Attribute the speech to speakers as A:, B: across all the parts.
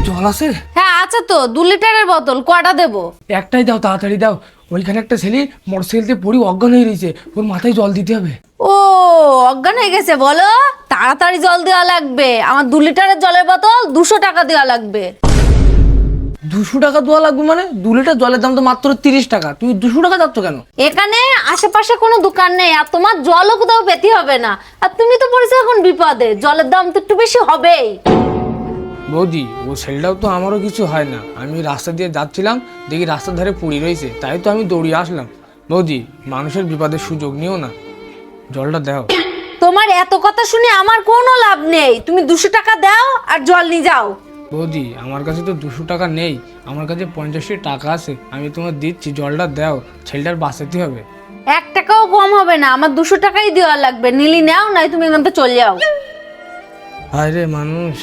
A: জল আছে?
B: হ্যাঁ আছে তো, 2 লিটারের বোতল। কয়টা দেবো?
A: একটাই দাও, তাড়াতাড়ি দাও। ওইখানে একটা ছেলে মোটরসাইকেলতে পড়ি অজ্ঞান হয়ে রয়েছে, ওর মাথায় জল দিতে হবে।
B: ও অজ্ঞান হয়ে গেছে বলো? তাড়াতাড়ি জল দেওয়া লাগবে। আমার 2 লিটারের জলের বোতল 200 টাকা দেওয়া লাগবে।
A: 200 টাকা দেওয়া লাগবে মানে? 2 লিটার জলের দাম তো মাত্র 30 টাকা, তুমি 200 টাকা যাচ্ছ কেন?
B: এখানে আশেপাশে কোনো দোকান নেই, আর তোমার জলও কোথাও পেতে হবে না। আর তুমি তো পড়েছো এখন বিপদে, জলের দাম তো একটু বেশি হবেই।
A: বৌদি, ও ছেলেটাও তো আমারও কিছু হয় না। আমি রাস্তা দিয়ে যাচ্ছিলাম, দেখি রাস্তার ধারে পড়ে রয়েছে, তাই তো আমি দৌড়িয়ে আসলাম। বৌদি, মানুষের বিপদের সুযোগ নিও না, জলটা দাও।
B: তোমার এত কথা শুনে আমার কোনো লাভ নেই। তুমি 200 টাকা দাও আর জল নিয়ে যাও।
A: বৌদি, আমার কাছে তো 200 টাকা নেই, আমার কাছে 50 টাকা আছে, আমি তোমার দিচ্ছি, জলটা দাও, ছেলেটার বাঁচাতে হবে।
B: 1 টাকাও কম হবে না, আমার 200 টাকাই দেওয়া লাগবে। নিলি নাও, নাই তুমি এখান থেকে চলে যাও।
A: হায় রে মানুষ,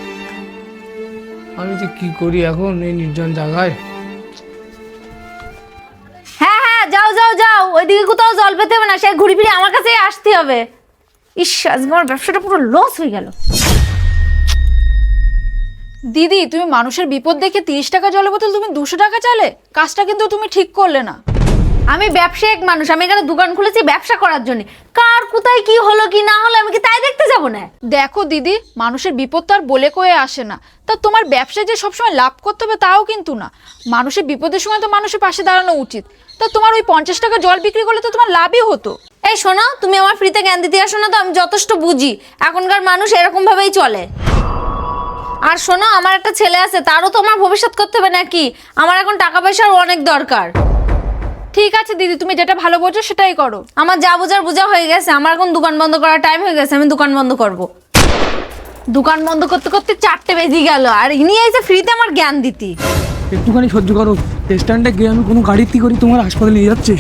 A: আমি যে কি করি এখন এই নির্জন জায়গায়।
B: হ্যাঁ হ্যাঁ, যাও যাও যাও, ওইদিকে কোথাও জল পেতে হবে না, সে ঘুরে ফিরে আমার কাছেই আসতে হবে। ইস, আজকে আমার ব্যবসাটা পুরো লস হয়ে গেল।
C: দিদি, তুমি মানুষের বিপদ দেখে 30 টাকা জলের বোতল তুমি 200 টাকা চালে? কাজটা কিন্তু তুমি ঠিক করলে না।
B: আমি ব্যবসায়িক মানুষ, আমি এখানে দোকান খুলেছি ব্যবসা করার জন্য। কার কোথায় কি হলো কি না হলো আমি কি তাই দেখতে যাব না?
C: দেখো দিদি, মানুষের বিপদ তো আর বলে কয়ে আসে না। তা তোমার ব্যবসায় যে সবসময় লাভ করতে হবে তাও কিন্তু না। মানুষের বিপদের সময় তো মানুষের পাশে দাঁড়ানো উচিত। তা তোমার ওই 50 টাকা জল বিক্রি করলে তো তোমার লাভই হতো।
B: এই শোনো, তুমি আমার ফ্রিতে জ্ঞান দিতে আসো না তো, আমি যথেষ্ট বুঝি। এখনকার মানুষ এরকম ভাবেই চলে। আর শোনো, আমার একটা ছেলে আছে, তারও তো আমার ভবিষ্যৎ করতে হবে নাকি? আমার এখন টাকা পয়সার অনেক দরকার।
C: ঠিক আছে দিদি, তুমি যেটা ভালো বোঝো সেটাই করো।
B: আমার যা বোঝার বোঝা হয়ে গেছে, আমার এখন দোকান বন্ধ করার টাইম হয়ে গেছে, আমি দোকান বন্ধ করব। দোকান বন্ধ করতে করতে 4টে বেজে গেল, আর ইনি এসে ফ্রিতে আমার জ্ঞান দিতি।
A: একটুখানি সহ্য করো, স্ট্যান্ডে গিয়ে আমি কোনো গাড়িতে করে তোমার হাসপাতালে নিয়ে যাচ্ছি।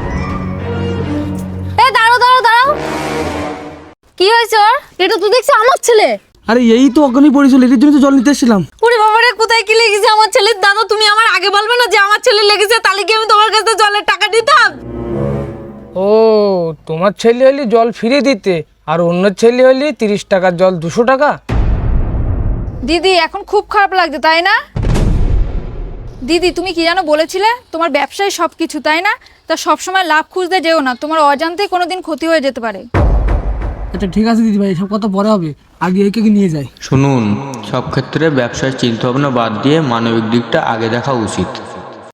B: এই দাঁড়াও দাঁড়াও দাঁড়াও, কি হয়েছে ওর? এটা তো দেখছি আমার ছেলে।
A: আরে এই তো অজ্ঞানী পড়েছিল, এর জন্য তো জল নিতে এসেছিলাম।
B: ওরে বাবারে, কোথায় কি লেগেছে আমার ছেলের? দাদা, তুমি আমার আগে বলবে না যে আমার ছেলে লেগেছে? তাহলে কি আমি তোমার কাছে জলের টাকা দিতাম?
A: ও, তোমার ছেলে হলে জল ফিরিয়ে দিতে, আর অন্য ছেলে হলে 30 টাকার জল 200 টাকা।
C: দিদি, এখন খুব খারাপ লাগছে তাই না? দিদি, তুমি কি জানো বলেছিলে তোমার ব্যবসায় সব কিছু, তাই না? তা সবসময় লাভ খুঁজতে যেও না, তোমার অজান্তেই কোনোদিন ক্ষতি হয়ে যেতে পারে।
A: আচ্ছা ঠিক আছে দিদি ভাই, সব কথা পরে হবে, আগে একে নিয়ে যাই।
D: শুনুন, সব ক্ষেত্রে ব্যবসায় চিন্তা ভাবনা বাদ দিয়ে মানবিক দিকটা আগে দেখা উচিত।